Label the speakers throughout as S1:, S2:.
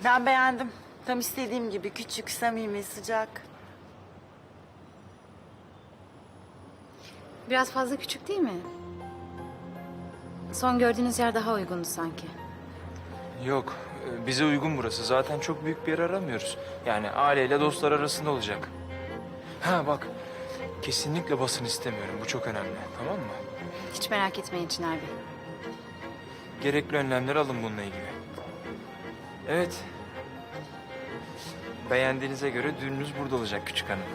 S1: Ben beğendim. Tam istediğim gibi küçük, samimi, sıcak.
S2: Biraz fazla küçük değil mi? Son gördüğünüz yer daha uygundu sanki.
S3: Yok, bize uygun burası. Zaten çok büyük bir yer aramıyoruz. Yani aileyle dostlar arasında olacak. Ha bak, kesinlikle basın istemiyorum. Bu çok önemli, tamam mı?
S2: Hiç merak etmeyin Çınar Bey.
S3: Gerekli önlemleri alın bununla ilgili. Evet. Beğendiğinize göre düğününüz burada olacak küçük hanım.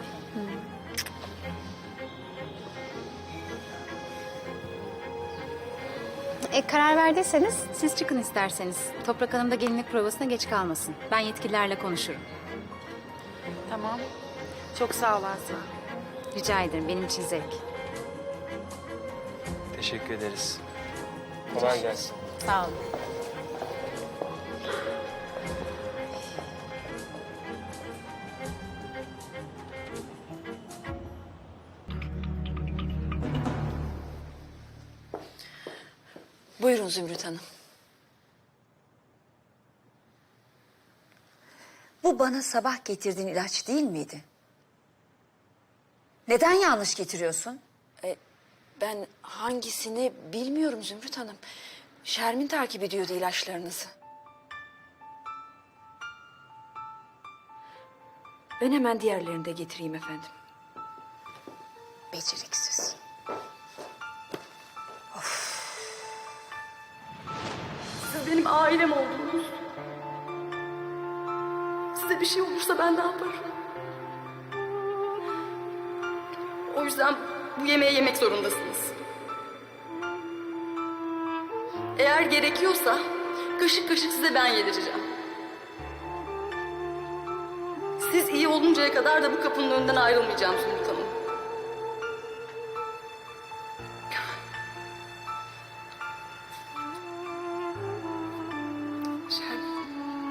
S2: Karar verdiyseniz siz çıkın isterseniz. Toprak Hanım da gelinlik provasına geç kalmasın. Ben yetkililerle konuşurum.
S1: Tamam. Çok sağ ol Azra.
S2: Rica ederim, benim için zevk.
S3: Teşekkür ederiz. Kolay gelsin.
S2: Sağ olun.
S4: Buyurun Zümrüt Hanım. Bu bana sabah getirdiğin ilaç değil miydi? Neden yanlış getiriyorsun? Ben hangisini bilmiyorum Zümrüt Hanım. Şermin takip ediyordu ilaçlarınızı. Ben hemen diğerlerini de getireyim efendim. Beceriksiz.
S5: Siz benim ailem oldunuz. Size bir şey olursa ben ne yaparım? O yüzden bu yemeği yemek zorundasınız. Eğer gerekiyorsa kaşık kaşık size ben yedireceğim. Siz iyi oluncaya kadar da bu kapının önünden ayrılmayacağım Zümrüt Hanım. Şermin.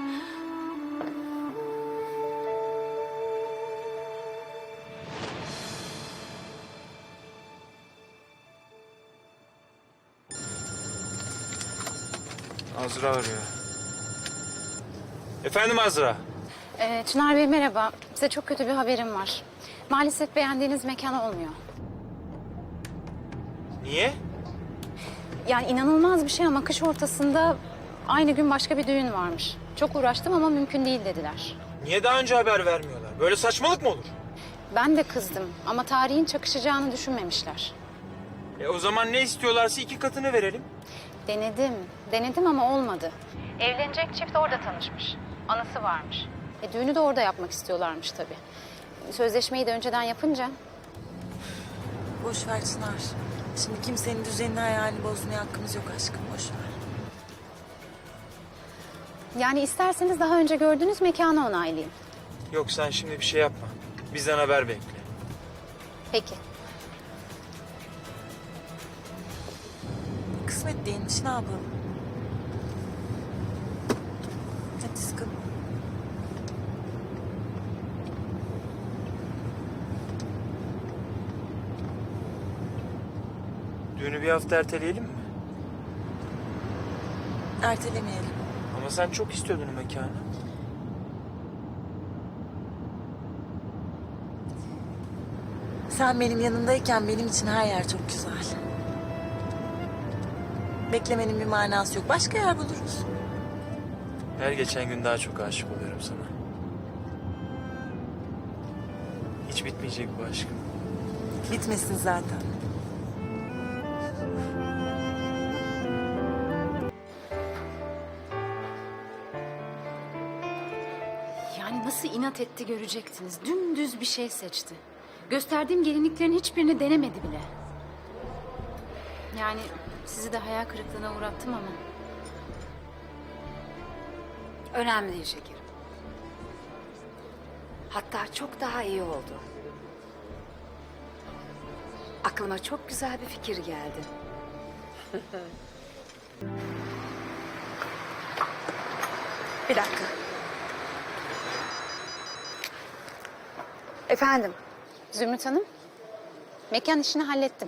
S3: Azra arıyor. Efendim Azra?
S2: Çınar Bey merhaba. Size çok kötü bir haberim var. Maalesef beğendiğiniz mekan olmuyor.
S3: Niye?
S2: Yani inanılmaz bir şey ama kış ortasında aynı gün başka bir düğün varmış. Çok uğraştım ama mümkün değil dediler.
S3: Niye daha önce haber vermiyorlar? Böyle saçmalık mı olur?
S2: Ben de kızdım ama tarihin çakışacağını düşünmemişler.
S3: O zaman ne istiyorlarsa 2 katını verelim.
S2: Denedim ama olmadı. Evlenecek çift orada tanışmış. Anısı varmış. Düğünü de orada yapmak istiyorlarmış tabii. Sözleşmeyi de önceden yapınca...
S1: Boş ver Çınar. Şimdi kimsenin düzenini hayalini bozmaya hakkımız yok aşkım. Boş ver.
S2: Yani isterseniz daha önce gördüğünüz mekanı onaylayayım.
S3: Yok sen şimdi bir şey yapma. Bizden haber bekle.
S2: Peki.
S1: Kısmet değilmiş, ne yapalım? Hadi sıkılma.
S3: Düğünü bir hafta erteleyelim mi?
S1: Ertelemeyelim.
S3: Ama sen çok istiyordun o mekanı.
S1: Sen benim yanımdayken benim için her yer çok güzel. Beklemenin bir manası yok. Başka yer buluruz.
S3: Her geçen gün daha çok aşık oluyorum sana. Hiç bitmeyecek bu aşkım.
S1: Bitmesin zaten.
S2: Yani nasıl inat etti görecektiniz. Dümdüz bir şey seçti. Gösterdiğim gelinliklerin hiçbirini denemedi bile. Yani sizi de hayal kırıklığına uğrattım ama...
S4: Önemli değil şekerim. Hatta çok daha iyi oldu. Aklıma çok güzel bir fikir geldi. Bir dakika. Efendim?
S2: Zümrüt Hanım, mekan işini hallettim.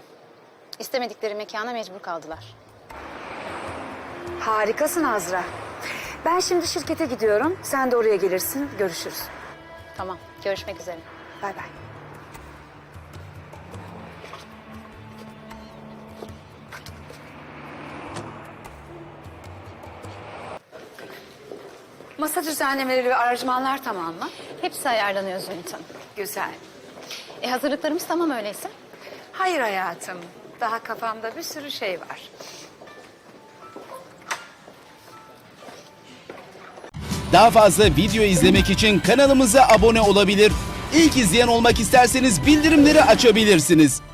S2: İstemedikleri mekana mecbur kaldılar.
S4: Harikasın Azra. Ben şimdi şirkete gidiyorum. Sen de oraya gelirsin. Görüşürüz.
S2: Tamam, görüşmek üzere.
S4: Bay bay. Masa düzenlemeleri ve aranjmanlar tamam mı?
S2: Hepsi ayarlanıyor Zümrüt Hanım.
S4: Güzel.
S2: Hazırlıklarımız tamam öyleyse.
S4: Hayır hayatım. Daha kafamda bir sürü şey var.
S6: Daha fazla video izlemek için kanalımıza abone olabilir. İlk izleyen olmak isterseniz bildirimleri açabilirsiniz.